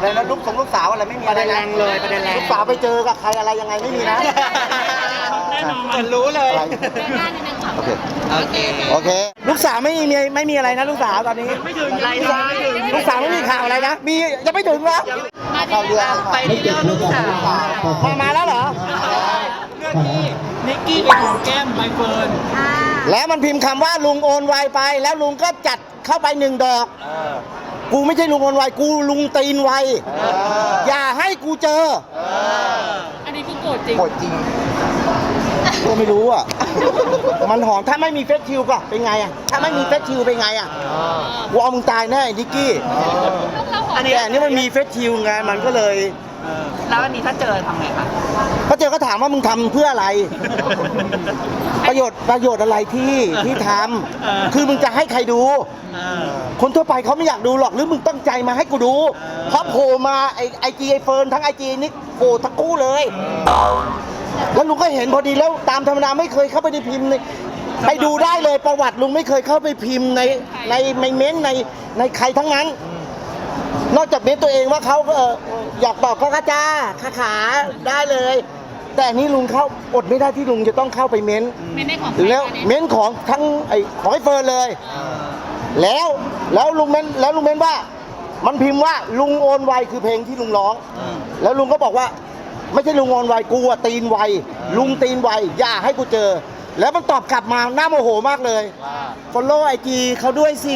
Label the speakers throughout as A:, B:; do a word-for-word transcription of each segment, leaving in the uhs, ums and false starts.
A: อะไรนะลูกสงลูกสาวอะไรไม่มีอะไรแรงเลยประเด็นแรงลูกสาวไปเจอกับใครอะไรยังไงไม่มีนะ
B: แน่นอน
A: เหมือนรู้เลยโอเคโอเคโอเคลูกสาวไม่มีไม่มีอะไรนะลูกสาวตอนนี้
B: ไม่ถึงไรซ้าย
A: ลูกสาวไม่มีข่าวอะไรนะมียังไม่ถึงเหรอข่าวเรือ
B: ไปเที่ยวลูกสาว
A: มามาแล้วเหรอ
B: เรื่องที่นิกกี้ไปหอมแก้มใบเฟิร์น
A: แล้วมันพิมพ์คำว่าลุงโอนไวไปแล้วลุงก็จัดเข้าไปหนึ่งดอกกูไม่ใช่ลุงโอนไวกูลุงตีนไวอย่าให้กูเจอ
C: อันนี้คือโกรธจริง
A: โกรธจริงก็ไม่รู้อ่ะมันหอมถ้าไม่มีเฟซชิลก็เป็นไงอ่ะถ้าไม่มีเฟซชิลเป็นไงอ่ะกูเอามึงตายแน่นิกกี้อันนี้อันนี้มันมีเฟซชิลไงมันก็เลย
B: แล้ววันนี้ถ้าเจอทำไงคะ
A: พอเจอก็ถามว่ามึงทำเพื่ออะไรประโยชน์ประโยชน์อะไรที่ที่ทำคือมึงจะให้ใครดูคนทั่วไปเขาไม่อยากดูหรอกหรือมึงตั้งใจมาให้กูดูเพราะโผล่มาไอไอจีไอเฟิร์นทั้งไอจีนี่โผล่ทั้งคู่เลยแล้วลุงก็เห็นพอดีแล้วตามธรรมดาไม่เคยเข้าไปในพิมพ์ในไปดูได้เลยประวัติลุงไม่เคยเข้าไปพิมพ์ในในในเม้นในในใครทั้งนั้นนอกจากเม้นตัวเองว่าเขาเอออยากบอกก็ข้าจ้าข้าขาได้เลยแต่นี่ลุงเข้าอดไม่ได้ที่ลุงจะต้องเข้าไปเม้นแล้วเม้นของทั้งไอ้ของไอ้เฟิร์นเลยแล้วแล้วลุงเม้นแล้วลุงเม้นว่ามันพิมพ์ว่าลุงโอนไวคือเพลงที่ลุงร้องแล้วลุงก็บอกว่าไม่ใช่ลุงโอนไวกูอะตีนไวลุงตีนไวอย่าให้กูเจอแล้วมันตอบกลับมาหน้าโมโหมากเลยฟอลโล่ไอจีเขาด้วยสิ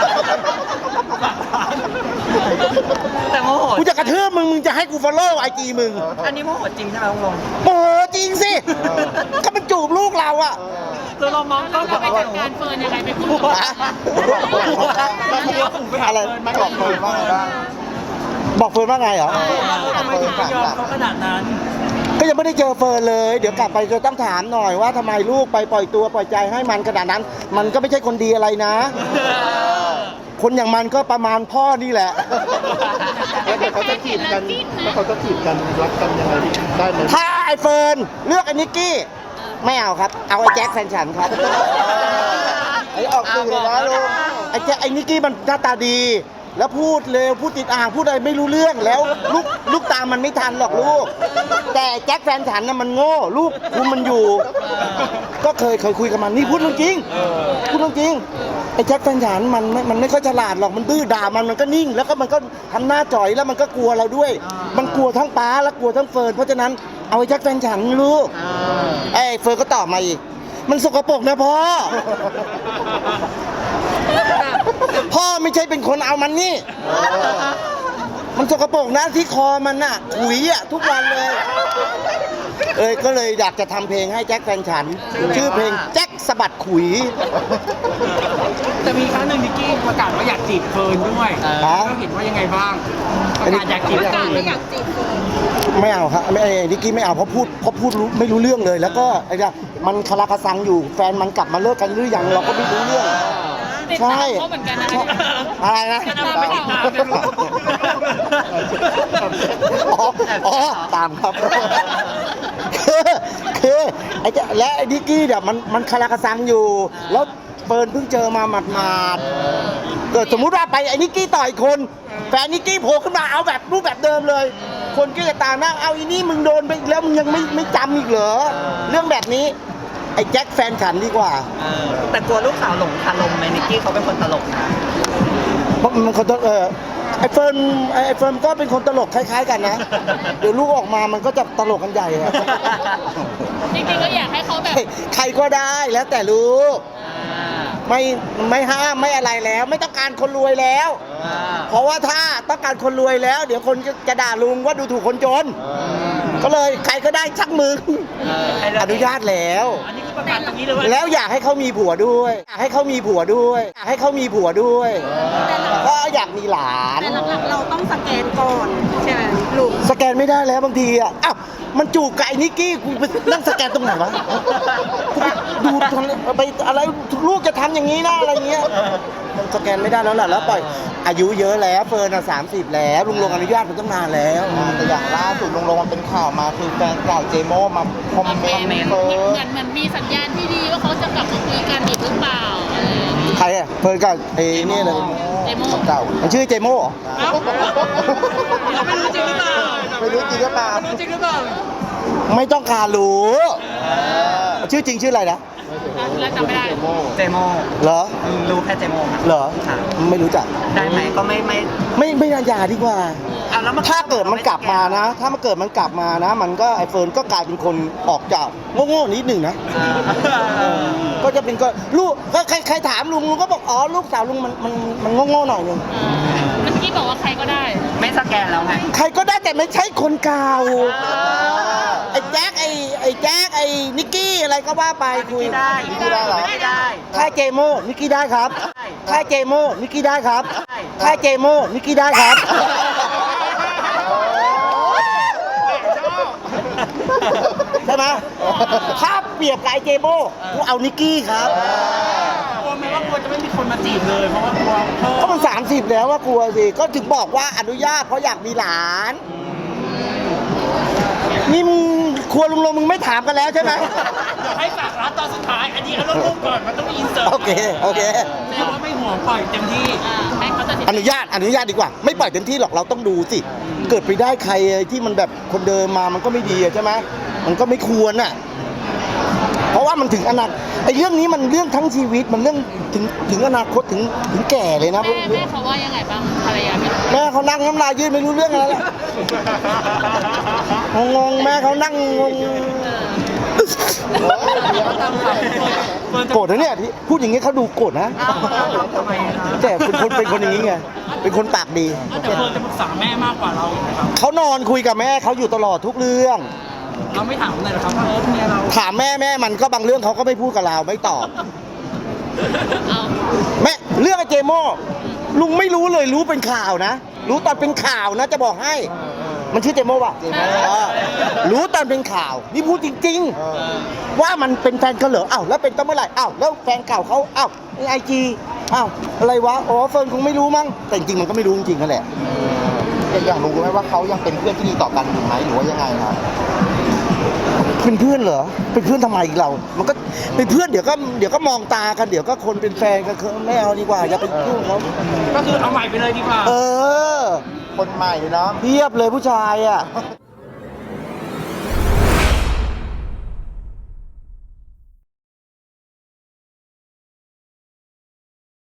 B: แต่โมโห
A: กูจะกระทืบมึงมึงจะให้กูฟอลโล่ไอจีมึง
B: อันนี้โมโหจริงใช่ไหมลุงลง
A: โมโหจริงสิก็มันจูบลูกเราอะ
B: ตัวเรามองก็
C: ไปจัดการเฟิร์นยังไงไปพูด
A: อะไรไม่บอกเฟิร์นว่าไงบ้างบอกเฟิร์นว่าไงเหรอ
B: ทำไมถึงยอมเขาขนาดนั้น
A: ก็ยังไม่ได้เจอเฟิร์นเลยเดี๋ยวกลับไปจะต้องถามหน่อยว่าทำไมลูกไปปล่อยตัวปล่อยใจให้มันขนาดนั้นมันก็ไม่ใช่คนดีอะไรนะคนอย่างมันก็ประมาณพ่อนี่แหละ
D: แล้วเดี๋ยวเขาจะจีบกันแล้วเขาจะจีบกันรักกันยังไงได้ไหม
A: ถ้าไอ้เฟิร์นเลือกไอ้นิกกี้ไม่เอาครับเอาไอ้แจ็คแฟนฉันครับไอ้ออกสื่อนะลูกไอ้แจ็คไอ้นิกกี้มันหน้าตาดีแล้วพูดเร็วพูดติดอ่างพูดอะไรไม่รู้เรื่องแล้วลูกลูกตามมันไม่ทันหรอกลูกแต่แจ็คแฟนฉันน่ะมันโง่ลูกคุมมันอยู่ก็เคยเคยคุยกับมันนี่พูดเรื่องจริงพูดเรื่องจริงไอ้แจ็คแฟนฉันมันมันไม่ค่อยฉลาดหรอกมันดื้อด่ามันมันก็นิ่งแล้วก็มันก็ทำหน้าจ่อยแล้วมันก็กลัวเราด้วยมันกลัวทั้งป้าและกลัวทั้งเฟิร์นเพราะฉะนั้นเอาไอ้แจ็คแฟนฉันลูกไอ้เฟิร์นก็ตอบมาอีกมันสกปรกนะพ่อพ่อไม่ใช่เป็นคนเอามันนี่มันสกปรกนะที่คอมันน่ะขุยอ่ะทุกวันเลยเอ้ยก็เลยอยากจะทำเพลงให้แจ็คแฟนฉันชื่อเพลงแจ็คสะบัดขุย
B: แต่มีครั้งหนึ่งนิกกี้ประกาศว่าอยากจีบเฟิร์นด้วยเราเห็นว่ายังไงบ้างประกาศอยากจีบ
C: ประกาศไม่อยากจีบเฟิร์น
A: ไม่เอาครับไม่นิกกี้ไม่เอาเพราะพูดเพราะพูดไม่รู้เรื่องเลยแล้วก็ไอ้เนี่ยมันคาราคาซังอยู่แฟนมันกลับมาเลิกกันหรือยังเราก็ไม่รู้เรื่อง
C: ใช่เขาเหมือนกันนะ
A: อะไรนะอ๋อตามครับคือคือไอ้เจ้าและไอ้นิกกี้เนี่ยมันมันคาราคาซังอยู่แล้วเฟิร์นเพิ่งเจอมาหมาดๆเกิดสมมุติว่าไปไอ้นิกกี้ต่อยคนแฟนนิกกี้โผล่ขึ้นมาเอาแบบรูปแบบเดิมเลยคนก็จะตามนั่งเอาอีนี่มึงโดนไปแล้วมึงยังไม่ไม่จำอีกเหรอเรื่องแบบนี้ไอ้แจ็คแฟนฉันดีกว่า
B: แต่กลัวลูกสาวหลงคาลมไหมนิกกี้เขาเป็นคนตลกนะ
A: เพราะมันคนเออไอ้เฟิร์นไอ้เฟิร์นก็เป็นคนตลกคล้ายๆกันนะเดี๋ยวลูกออกมามันก็จะตลกกันใหญ่อะ
C: จริงๆก็อยากให้เขาแบบ
A: ใครก็ได้แล้วแต่ลูกไม่ไม่ห้ามไม่อะไรแล้วไม่ต้องการคนรวยแล้วเพราะว่าถ้าต้องการคนรวยแล้วเดี๋ยวคนจะด่าลุงว่าดูถูกคนจนก็เลยใครก็ได้ชักมืออนุญาตแล้วแล้วอยากให้เขามีผัวด้วยอยากให้เขามีผัวด้วยอยากให้เขามีผัวด้วยก็อยากมีหลาน
C: แต่หลักๆเราต้องสแกนก่อนใช่ไหมลุง
A: สแกนไม่ได้แล้วบางทีอ่ะอ้าวมันจูบไก่นิกกี้กูไปนั่งสแกนตรงไหนวะดูไปอะไรลูกจะทำอย่างนี้นะอะไรเงี้ยมันสแกนไม่ได้แล้วแหละแล้วปล่อยอายุเยอะแล้วเฟิร์นสามสิบแล้วลุงลงอนุญาตมันตั้งนานแล้วแต่อย่างล่าสุดลุงลงมันเป็นข่าวมาคือแฟนเก่าเจโม่มาคอมเมนต์เฟิร์น
C: เหมือนเหมือนมีสัญญาณที่ดีว่าเขาจะกลับมาคุยกันอีกหรือเปล่า
A: ใครรอ่ะเฟิร์นกับไอ้นี่เลย
C: เจโม่
A: เก่ามันชื่อเจโม่เหรอ
B: เราไม่รู้จริงหรือเปล่า
D: ไม่รู้จริงหรือเปล่า
B: ไม่รู้จริงหรือเปล่า
A: ไม่ต้องการรู้ชื่อจริงชื่ออะไรนะ
C: แล้วจำไม่ได้
E: เจโม
A: เหรอ
E: รู้แค่เจโมครับ
A: เหรอ
E: ค่ะ
A: ไม่รู้จัก
E: ได้ไหมก็ไม่ไม่
A: ไม่ไม่น่าอย่าดีกว่า
E: อ่ะแล้วมัน
A: ถ้าเกิดมันกลับมานะ ถ้ามันเกิดมันกลับมานะ มันก็ไอเฟิร์นก็กลายเป็นคนออกจากโง่ๆนิดหนึ่งนะ
E: อ่า
A: ก็จะเป็นก็ลูกก็ใครใครถามลุงลุงก็บอกอ๋อลูกสาวลุงมันมันมันโง่ๆหน่อยนึง
C: เมื่อกี้บอกว่าใครก็ได้
E: ไม่สแกนแล้วไง
A: ใครก็ได้แต่ไม่ใช่คนเก่าไอ้แจ็คไอ้ไอ้แจ็คไอ้นิกกี้อะไรก็ว่าไปคุย
E: ไม่ได้
D: ไม่ได้เหรอ
E: ไม่ได้
A: ค่ายเจโมนิกกี้ได้ครับ
E: ได้
A: ค่ายเจโมนิกกี้ได้ครับ
E: ได้
A: ค่ายเจโมนิกกี้ได้ครับ ใช่ไหมถ้าเปรียบกับไอเจโมกูเอานิกกี้ครับ
B: กลัวไหมว่ากลัวจะไม่มีคนมาจีบเลยเพราะว่ากลัวพ่อ
A: ก็มันสามสิบแล้วว่ากลัวสิ ก็ถึงบอกว่าอนุญาตเพราะอยากมีหลาน นี่มึงครัวลุงลงมึงไม่ถามกันแล้วใช่ไหม
B: เดี๋ยวให้ฝากร้านตอนสุดท้าย อันนี้เอารูปก่อน มันต้องมีอินเสิร์ต
A: โอเคโอเค
B: แสดงว่าไม่ห่วงปล่อยเต็มที่
C: ให้เขาตัดสิน
A: อนุญาตอนุญาตดีกว่า ไม่ปล่อยเต็มที่หรอกเราต้องดูสิ เกิดไปได้ใครที่มันแบบคนเดิมมามันก็ไม่ดีอะใช่ไหมมันก็ไม่ควรอ่ะ เพราะว่ามันถึงอนาคตไอ้เรื่องนี้มันเรื่องทั้งชีวิตมันเรื่องถึงถึงอนาคตถึงถึงแก่เลยนะ
C: แม่แม่เขาว่ายังไงบ้างภรรยาพี่
A: แม่เขานั่งน้ำลายยืดไม่รู้เรื่องอะไรแล้วงงๆแม่เขานั่งงงโกรธนะเนี่ยที่พูดอย่างนี้เขาดูโกรธนะ
E: ทำไมนะ
A: แต่เป็นคนเป็นคนอย่างนี้ไงเป็นคนปากดี
B: แต่เฟิร์นจะปรึกษาแม่มากกว่าเราอีกนะครับ
A: เขานอนคุยกับแม่เขาอยู่ตลอดทุกเรื่อง
B: เราไม่ถามเลยเหรอครับว่าเออเมียเรา
A: ถามแม่แม่มันก็บางเรื่องเขาก็ไม่พูดกับเราไม่ตอบ
C: เอา
A: แม่เรื่องไอ้เจโม่ลุงไม่รู้เลยรู้เป็นข่าวนะ รู้ตอนเป็นข่าวนะจะบอกให้ มันชื่อเจโม่ป่ะเออรู้ตอนเป็นข่าว นี่พูดจริง ๆ ว่ามันเป็นแฟนเขาเหรออ้าวแล้วเป็นตั้งเมื่อไหร่อ้าวแล้วแฟนเก่าเขาอ้าวไอจีอ้าวอะไรวะอ๋อเฟิร์นคงไม่รู้มั้งแต่จริงๆมันก็ไม่รู้จริงๆนั่นแหละ
D: อยากรู้ไหมว่าเขายังเป็นเพื่อนที่ดีต่อกันอยู่ไหมหรือว่ายังไงครับ
A: เป็นเพื่อนเหรอเป็นเพื่อนทำไมเรา มันก็เป็นเพื่อนเดี๋ยวก็เดี๋ยวก็มองตากันเดี๋ยวก็คนเป็นแฟนกันไม่เอาดีกว่าอย่าไปยุ่งเขา
B: ก็คือเอาใหม่ไปเลยดีกว่า
A: เออ
D: คนใหม่เนาะ
A: เพียบเลยผู้ชายอ่ะ